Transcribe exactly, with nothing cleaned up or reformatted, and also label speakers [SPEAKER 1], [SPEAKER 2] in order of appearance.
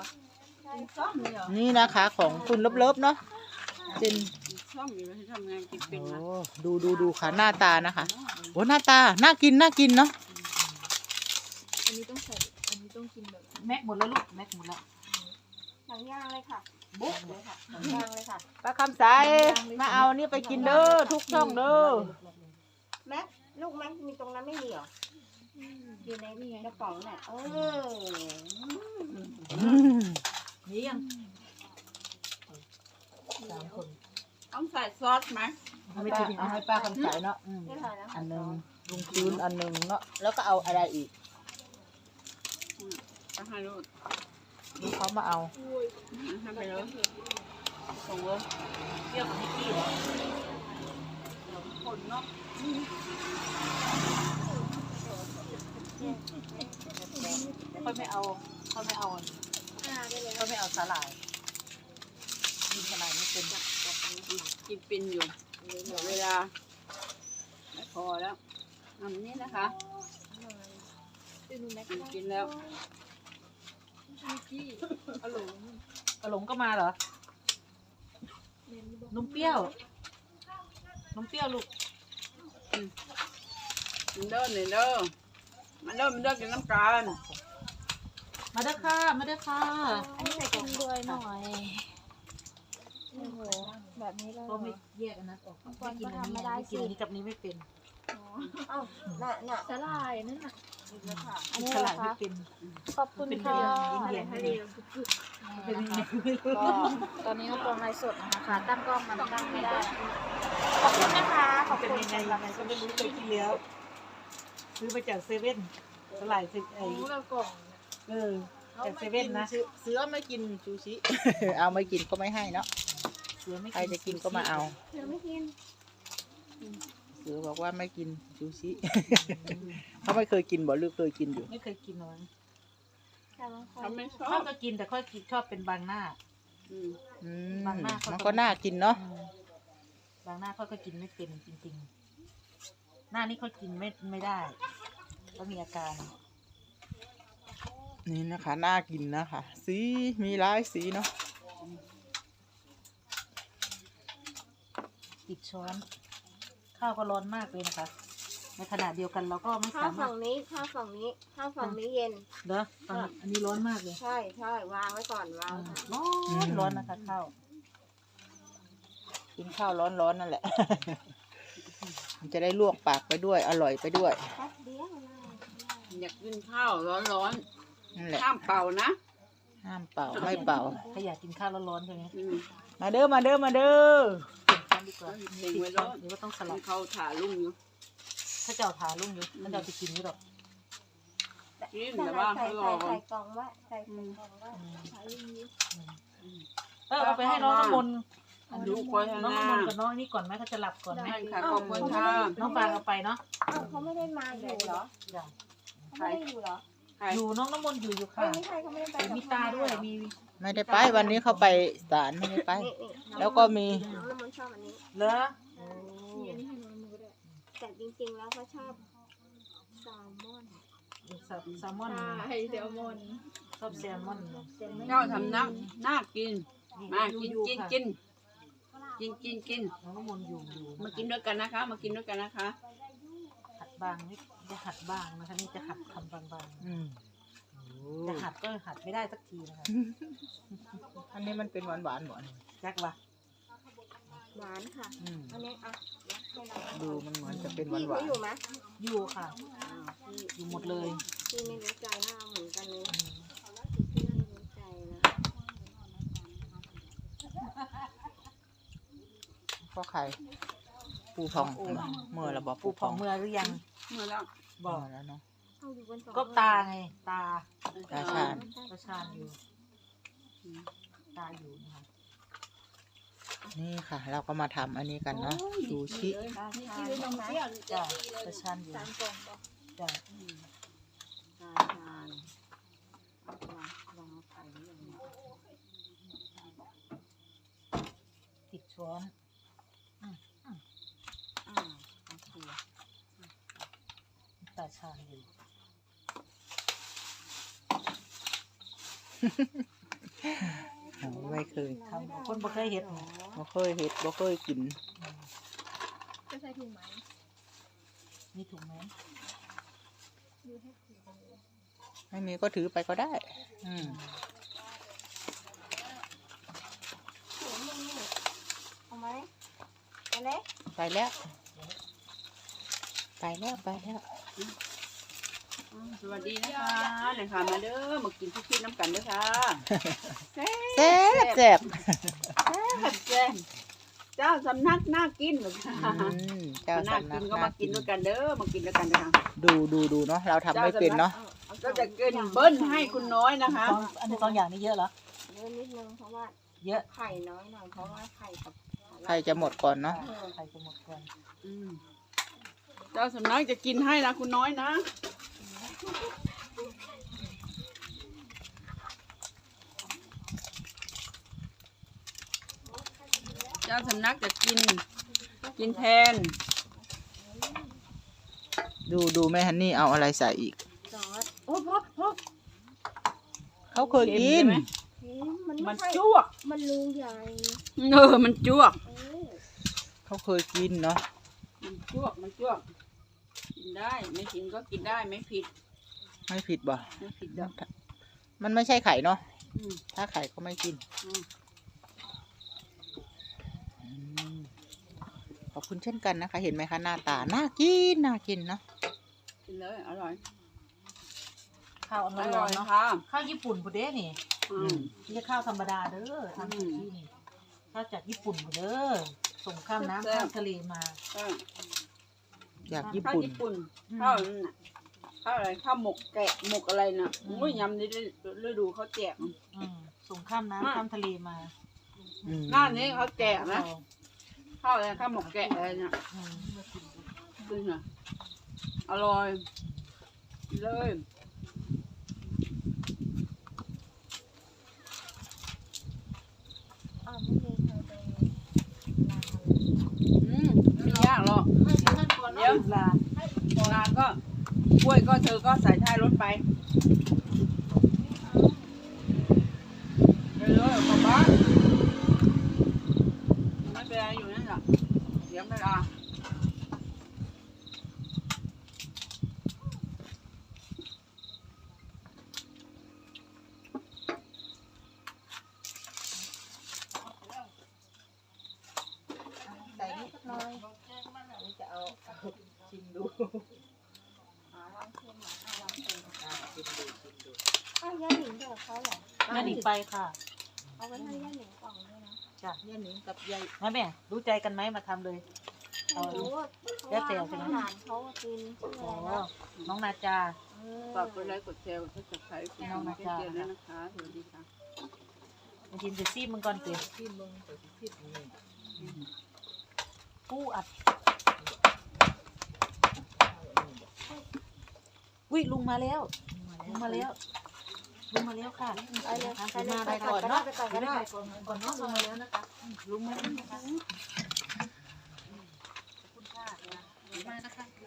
[SPEAKER 1] นี่นะคะของคุณเลิฟๆเนาะเป็น
[SPEAKER 2] ชอบอยู่ให้ทำงานกินเป็นนะ
[SPEAKER 1] โอ้ดูดูดูค่ะหน้าตานะคะโอ้หน้าตาน่ากินน่ากินเนาะ
[SPEAKER 3] อันนี้ต้องใส่อันนี้ต้องกินแบบ
[SPEAKER 4] แม็กหมดแล้วลูกแม็กหมดแล้ว
[SPEAKER 3] หนังย่างเลยค่ะบุ๊กเลยค่ะหนังย่างเลยค่ะ
[SPEAKER 1] ป้าคำใสมาเอานี่ไปกินเด้อทุกช่องเด้อ
[SPEAKER 3] แม็กลูกแม็กมีตรงนั้นไม่มีเหรออยู่ในนี่ไงกระป๋องน่ะเออ
[SPEAKER 4] นี่ยังสามคน
[SPEAKER 2] ต้องใส่ซอสไหม
[SPEAKER 1] เอาให้ป้าเอาให้ป้าคำใสเนาะอืม
[SPEAKER 3] ไม่ถ่ายแล้ว
[SPEAKER 1] อันหนึ่งลุงพื้นอันหนึ่งเนาะแล้วก็เอาอะไรอีก
[SPEAKER 2] จะให้ลูก
[SPEAKER 1] ดูเขามาเอา
[SPEAKER 2] ทำไปเลยส่งเลย
[SPEAKER 4] เที่ยวกับนิกกี้เหรอ
[SPEAKER 2] คนเนาะ
[SPEAKER 4] ค่อยไม่เอาค่อยไม่เอา
[SPEAKER 3] อ่าได้เลย
[SPEAKER 4] ค่อยไม่เอาสาหร่ายกินสาหร่ายไม่เป็น
[SPEAKER 2] กินเป็นอยู่หมดเวลาไม่พอแล้วทำนี้นะคะ
[SPEAKER 3] ดูแม็ก
[SPEAKER 2] กินกินแล้ว
[SPEAKER 4] กระหลงกระหลงก็มาเหรอ นมเปรี้ยว นมเปรี้ยวลูก
[SPEAKER 2] กินเด้อหน่อยเด้อมาเด้อมาเด้อกินน้ำกัน
[SPEAKER 4] มาเด้อค่ะ มาเด้อค่ะ
[SPEAKER 3] อันนี้ใส่กล่องด้วยหน่อยโอ้โหแบบนี้เลย
[SPEAKER 4] ก็ไม่แยกอันนั้นออกไม่กินอันนี้ไม่กินอันนี้กับนี้ไม่เป็น
[SPEAKER 3] เอ้าน่ะน่ะสลายนั่นน่ะอันนี้
[SPEAKER 4] ส
[SPEAKER 3] เหร
[SPEAKER 4] ลั
[SPEAKER 3] อ
[SPEAKER 4] ดไม่
[SPEAKER 3] คะ
[SPEAKER 4] เป็น
[SPEAKER 3] ขอบคุณ
[SPEAKER 4] เป็น
[SPEAKER 3] ค่ะ
[SPEAKER 4] เรื่องอินเดียนเป็นยังไง
[SPEAKER 3] ก็ตอนนี้ก็กองไลฟ์สดนะคะตั้งกล้องมันตั้งไม่ได้ ขอบคุณนะคะขอบ
[SPEAKER 4] เป็น
[SPEAKER 3] คุณ
[SPEAKER 4] ยังไงยังไงก็ไม่รู้เคยกินแล้ว ซื้อมาจากเซเว่นสลายสิไอ
[SPEAKER 3] รู้แล้วกล่อง
[SPEAKER 4] เออจากเซเว่นนะ
[SPEAKER 1] เสือไม่กินซูชิ เอาไม่กินก็ไม่ให้เนาะ
[SPEAKER 4] เสือไม่
[SPEAKER 1] ใครจะกินก็มาเอา
[SPEAKER 3] เธอไม่กิน
[SPEAKER 1] เสือบอกว่าไม่กินซูชิ เขาไม่เคยกินบ่หรือเคยกินอยู่
[SPEAKER 4] ไม่เคยกินหรอก
[SPEAKER 3] แต่บางคน
[SPEAKER 2] ทำไม่ชอ
[SPEAKER 4] ข้อบ ก็กินแต่ข้อยกินชอบเป็นบางหน้า
[SPEAKER 2] อืม
[SPEAKER 1] อืม
[SPEAKER 4] บางหน้าเขาก็
[SPEAKER 1] มันก็น่ากินเนาะ
[SPEAKER 4] อืมบางหน้าข้อยก็กินไม่เป็นจริงๆ หน้านี้เขากินไม่ไม่ได้ก็มีอาการ
[SPEAKER 1] นี่นะคะน่ากินนะคะสีมีหลายสีเนาะ
[SPEAKER 4] ติดช้อน ข้าวก็ร้อนมากเลยนะคะ ในขณะเดียวกันเราก็ไม่
[SPEAKER 3] ข้าว
[SPEAKER 4] สามาร
[SPEAKER 3] ฝั่
[SPEAKER 4] ถ
[SPEAKER 3] งนี้ข้าวฝั่งนี้ข้าวฝั่งนี้เย็น
[SPEAKER 4] เด้อฟังอันนี้ร้อนมากเลย
[SPEAKER 3] ใช่ใช่วางไว้ก่อนวาง
[SPEAKER 4] ร้อนร้อนนะคะข้าว
[SPEAKER 1] กินข้าวร้อนๆนั่นแหละ มันจะได้ลวกปากไปด้วย อร่อยไปด้วย
[SPEAKER 3] แป๊บเดียวนะ
[SPEAKER 2] อยากกินข้าวร้อน
[SPEAKER 1] นั่นแหละ
[SPEAKER 2] ๆห้ามเป่านะ
[SPEAKER 1] ห้ามเป่าไม่เป่า
[SPEAKER 4] ถ้าอยากกินข้าวร้อนๆใช่ไหม
[SPEAKER 2] อืม
[SPEAKER 1] มาเด้อมาเด้อมาเด้อ
[SPEAKER 4] เปลี่ยนช้อนดีกว่า
[SPEAKER 2] เต็งไว้ร้อน
[SPEAKER 4] หรือว่าต้องส
[SPEAKER 2] ให้
[SPEAKER 4] ลับ
[SPEAKER 2] เขาถ่าลุ่มอยู่
[SPEAKER 4] ถ้าเจ้าทาลุ่งอยู่ถ้าเจ้าจะกินนี่หรอก
[SPEAKER 2] กิน
[SPEAKER 3] ใส่
[SPEAKER 2] แต่ว่า
[SPEAKER 3] ใส่
[SPEAKER 2] เขารอ
[SPEAKER 3] ใส่
[SPEAKER 2] ก่อน
[SPEAKER 3] ใส่กล่องไว้ใส่ใส่กล่องไว้ใส่อย่างนี้
[SPEAKER 4] เออเอาไปให้น้องน้ำมนต์
[SPEAKER 2] ลูกคอยข้าง
[SPEAKER 4] น้อง
[SPEAKER 2] หน้า
[SPEAKER 4] น้ำมนต์กับน้องนี่ก่อนไหมเขาจะหลับก่อนไหม
[SPEAKER 2] ให้ค่ะขอบคุณค่ะ
[SPEAKER 4] น้องฟางเอาไปเนาะ
[SPEAKER 3] เอ้าเขาไม่ได้มาอยู่เหรอ
[SPEAKER 4] จ้ะ
[SPEAKER 3] เขาไม่ได้อยู่เหรอ
[SPEAKER 2] ใคร
[SPEAKER 4] อยู่น้องน้ำมนต์อยู่อยู่
[SPEAKER 3] เอ้
[SPEAKER 4] ค่ะ
[SPEAKER 3] ยไม่ใช่เขาไม่ได้ไป
[SPEAKER 4] มีตาด้วยมี
[SPEAKER 1] ไม่ได้ไปวันนี้เขาไปศาลไม่ได้ไป
[SPEAKER 3] นี่นี่น้อง
[SPEAKER 1] แล้วก็มี
[SPEAKER 3] น้องน้ำมันชอบอันนี้
[SPEAKER 4] เหรอ
[SPEAKER 3] นี่อันนี้ให้น้องน้ำมันก็ได้แต่จริงๆแล้วเขาชอบแซลมอน
[SPEAKER 4] แซลมอน
[SPEAKER 3] ใช่แซลมอน
[SPEAKER 4] ชอบแซลมอน
[SPEAKER 3] แซลมอน
[SPEAKER 2] เจ้าทำน้ำน่ากิน มากิน
[SPEAKER 4] อยู่
[SPEAKER 2] กิน
[SPEAKER 4] ค่ะ
[SPEAKER 2] กินกินกินกิน
[SPEAKER 4] น้องน้ำมนต์อยู่อยู่
[SPEAKER 2] มากินด้วยกันนะคะ มากินด้วยกันนะคะ
[SPEAKER 4] หัดบางนี่จะหัดบางนะคะนี่จะหัดคำบาง
[SPEAKER 1] อืม
[SPEAKER 4] ๆจะหัดก็หัดไม่ได้สักทีนะคะ
[SPEAKER 1] อันนี้มันเป็นหวานหวานหวาน
[SPEAKER 4] แจ็ควะ
[SPEAKER 3] หวานค่ะ
[SPEAKER 1] อืม
[SPEAKER 3] อันนี้อ่ะให้เรา
[SPEAKER 1] ดูมันเหมือนจะเป็นหวาน
[SPEAKER 3] พี่
[SPEAKER 1] หวา
[SPEAKER 3] เขา
[SPEAKER 1] น
[SPEAKER 3] อยู่ไหม
[SPEAKER 4] อยู่ค่ะ
[SPEAKER 3] อ้าวพี่
[SPEAKER 4] อยู่หมดเลย
[SPEAKER 3] พี่ไม่รู้ใจหน้าเหมือนกันเลย
[SPEAKER 4] อืม
[SPEAKER 3] พี่ไม่รู้ใจนะ
[SPEAKER 1] พ่อไข่ปูพองเมื่อเราบอก
[SPEAKER 4] ปู
[SPEAKER 1] ปู
[SPEAKER 4] ผ
[SPEAKER 1] พ
[SPEAKER 4] อ
[SPEAKER 1] อง ง
[SPEAKER 4] เมื่อหรือยัง
[SPEAKER 2] เมื่อแล้ว
[SPEAKER 4] บอก
[SPEAKER 1] เมื่แล้วเนาะ
[SPEAKER 3] เอาอยู่บนสอง
[SPEAKER 4] ก็ตาไง ตา
[SPEAKER 1] ตาชาญ
[SPEAKER 4] ตาชาญอยู่ ตาอยู่นะคะ
[SPEAKER 1] นี่ค่ะ เราก็มาทำอันนี้กันเนาะซูชิ
[SPEAKER 3] ตาชาญใช่ไหม
[SPEAKER 4] จ้ะตาชาญอยู่
[SPEAKER 3] สามกล่องบอก
[SPEAKER 4] จ้ะ
[SPEAKER 2] ตาชาญลองเอาไข่หรือยังเนี่ย
[SPEAKER 4] ติดช้อน
[SPEAKER 2] อ่าโอเค
[SPEAKER 4] ตาชาญอยู่
[SPEAKER 1] ไม่เคย
[SPEAKER 4] ทำคนบ่เคยเห็ดนี่
[SPEAKER 1] บ่เคยเห็ดบ่เคยกิน
[SPEAKER 5] จะใส่ถุงไหม
[SPEAKER 4] มีถุงไหม
[SPEAKER 5] ดูให้ถุงเลย
[SPEAKER 1] ไม่มีก็ถือไปก็ได้ อืม
[SPEAKER 3] เอาไหมเอาเล็ก
[SPEAKER 1] ไปแล้ว ไปแล้วไปแล้ว
[SPEAKER 2] สวัสดีนะคะเนี่ยค่ะมาเด้อมากินทุกที่น้ำกันเด้อค่ะแซ่
[SPEAKER 1] แซ่บแซ่บ
[SPEAKER 2] บแซ่บเจ้าสำนักน่ากินเหรอคะ
[SPEAKER 1] อืมเจ้า
[SPEAKER 2] น่า
[SPEAKER 1] สำนั
[SPEAKER 2] กิ
[SPEAKER 1] ก
[SPEAKER 2] นก็มากินด้วยกันเด้อมากินด้วยกันนะคะ
[SPEAKER 1] ดูดูดูเนาะเราทำไม่เป็นเนาะ
[SPEAKER 2] ก็จะเกินเบิ้ลให้คุณน้อยนะคะ
[SPEAKER 4] สองอันนี้สองอย่างนี้เยอะเหรอ
[SPEAKER 3] เยอะนิดนึงเพราะว่า
[SPEAKER 4] เยอะ
[SPEAKER 3] ไข่น้อยหน่อยเพราะว่าไข่กับ
[SPEAKER 1] ใครจะหมดก่อนเนาะ
[SPEAKER 4] ใครจะหมดก่อน
[SPEAKER 2] อืมเจ้าสำนักจะกินให้นะคุณน้อยนะเจ้าสำนักจะกิน กินแทน
[SPEAKER 1] ดูดูแม่ฮันนี่เอาอะไรใส่อีก
[SPEAKER 3] ซอสโอ้พ่อพ่อ
[SPEAKER 1] เขาเคยกิน
[SPEAKER 2] เค็มใช่ไหม
[SPEAKER 3] เฮ้ยมัน
[SPEAKER 2] มั
[SPEAKER 3] ไม่
[SPEAKER 2] น
[SPEAKER 3] ใช่
[SPEAKER 2] จ้วก
[SPEAKER 3] มันรูใหญ่
[SPEAKER 2] เออมันจ้วก
[SPEAKER 3] เออ
[SPEAKER 1] เขาเคยกินเนาะ
[SPEAKER 2] มันจ้วกมันจ้วกกินได้ไม่กินก็กินได้ไม่ผิด
[SPEAKER 1] ไม่ผิดบ่
[SPEAKER 2] ไม่ผิดดอก
[SPEAKER 1] มันไม่ใช่ไข่เนาะ
[SPEAKER 2] อืม
[SPEAKER 1] ถ้าไข่ก็ไม่กิน
[SPEAKER 2] อืม
[SPEAKER 1] อืมขอบคุณเช่นกันนะคะ เห็นไหมคะหน้าตา น่ากิน น่ากินเนาะ
[SPEAKER 2] กินเลยอร่อย
[SPEAKER 4] ข้าวอัน
[SPEAKER 2] อ
[SPEAKER 4] ร้
[SPEAKER 2] ร่
[SPEAKER 4] อ
[SPEAKER 2] อน ย
[SPEAKER 4] ๆเนาะ
[SPEAKER 2] ค่ะ
[SPEAKER 4] ข้าวญี่ปุ่นพุเด้นี่
[SPEAKER 2] อืม
[SPEAKER 4] ไม่ใช่ข้าวธรรมดาเด้อทำซูชินี่ข้าวจากญี่ปุ่นพุเด้อส่งข้ามน้ำข้ามทะเลมา
[SPEAKER 2] เออ
[SPEAKER 1] อยากญี่
[SPEAKER 2] ข้าว
[SPEAKER 1] ปุ่น
[SPEAKER 2] ญี่ปุ่น
[SPEAKER 4] อืม
[SPEAKER 2] ข้าวนั่นน่ะข้าวอะไรข้าวหมกแกะหมกอะไรน่ะโอ้ยยำนี่ฤดูเขาแจก
[SPEAKER 4] อืมส่งข้ามน้ำข้ามทะเลมา
[SPEAKER 1] อืม
[SPEAKER 2] หน้านี้เขาแจกนะข้าวอะไรข้าวหมกแกะอะไรน่ะ
[SPEAKER 4] อืม
[SPEAKER 2] ขึ้นน่ะอร่อยกินเลย
[SPEAKER 3] อ้าวไม่มีใครไปล้างอะไร
[SPEAKER 2] อืมไม่ยากหรอก
[SPEAKER 4] ให้ท่านก่อน
[SPEAKER 2] เดี๋ยว
[SPEAKER 4] ลา
[SPEAKER 2] โบราณก็กล้วยก็เธอก็ใส่ท้ายรถไปไปเลยกลับบ้านไม่เป็นไรอยู่นั่นแหละเดี๋ยวเวลา
[SPEAKER 1] ใส่นิดหน่อยนี่จะเอาชิมดู
[SPEAKER 3] อ่าลองชิมหน่อยอ่ะลองชิม
[SPEAKER 1] อ่ะชิมดูชิมดู
[SPEAKER 3] อ้าวย่าหนิงเดี๋ยวเขาเหรอ
[SPEAKER 4] แม่หนิงไปค่ะ
[SPEAKER 3] เอาไว้ให้ย่าหนิงกล่องด้วยนะ
[SPEAKER 4] จ้ะ
[SPEAKER 1] ย่าหนิงกับยาย
[SPEAKER 4] แม่แม่รู้ใจกันไหมมาทำเลย
[SPEAKER 3] ไม่รู้ว่าเพ
[SPEAKER 4] แล้ว
[SPEAKER 3] ราะ
[SPEAKER 4] แต่
[SPEAKER 3] ว่า
[SPEAKER 4] ใช่ไหม
[SPEAKER 3] ให้หลานเขากินชื่อ
[SPEAKER 4] โอ้
[SPEAKER 3] อะไรนะ
[SPEAKER 4] น้องนาจา
[SPEAKER 3] เออ
[SPEAKER 2] ฝากกดไลค์กดแชร์กดซับสไครต์เป็นกำลังใจให้ด้วยนะคะสวัสดีค่ะ
[SPEAKER 4] มาชิมจะซีมึงก่อนเต๋
[SPEAKER 1] ชิมมึงเดี๋ยวชิมนี่
[SPEAKER 4] ปูอัดอุ้ยลุงมาแล้วลุงมาแล้วลุงมาแล้วค่ะ
[SPEAKER 3] ไปเลย
[SPEAKER 4] นะคะ
[SPEAKER 3] ไปเลย
[SPEAKER 4] มา
[SPEAKER 3] ไป
[SPEAKER 4] ไป
[SPEAKER 3] ก่
[SPEAKER 4] ก่
[SPEAKER 3] อ
[SPEAKER 4] อน น
[SPEAKER 3] ก็ได้
[SPEAKER 4] เนาะ
[SPEAKER 3] ไปก่อนก็ได้
[SPEAKER 4] ก่อนเนาะลุงมาแล้วนะคะลุงมาแล้วนะคะ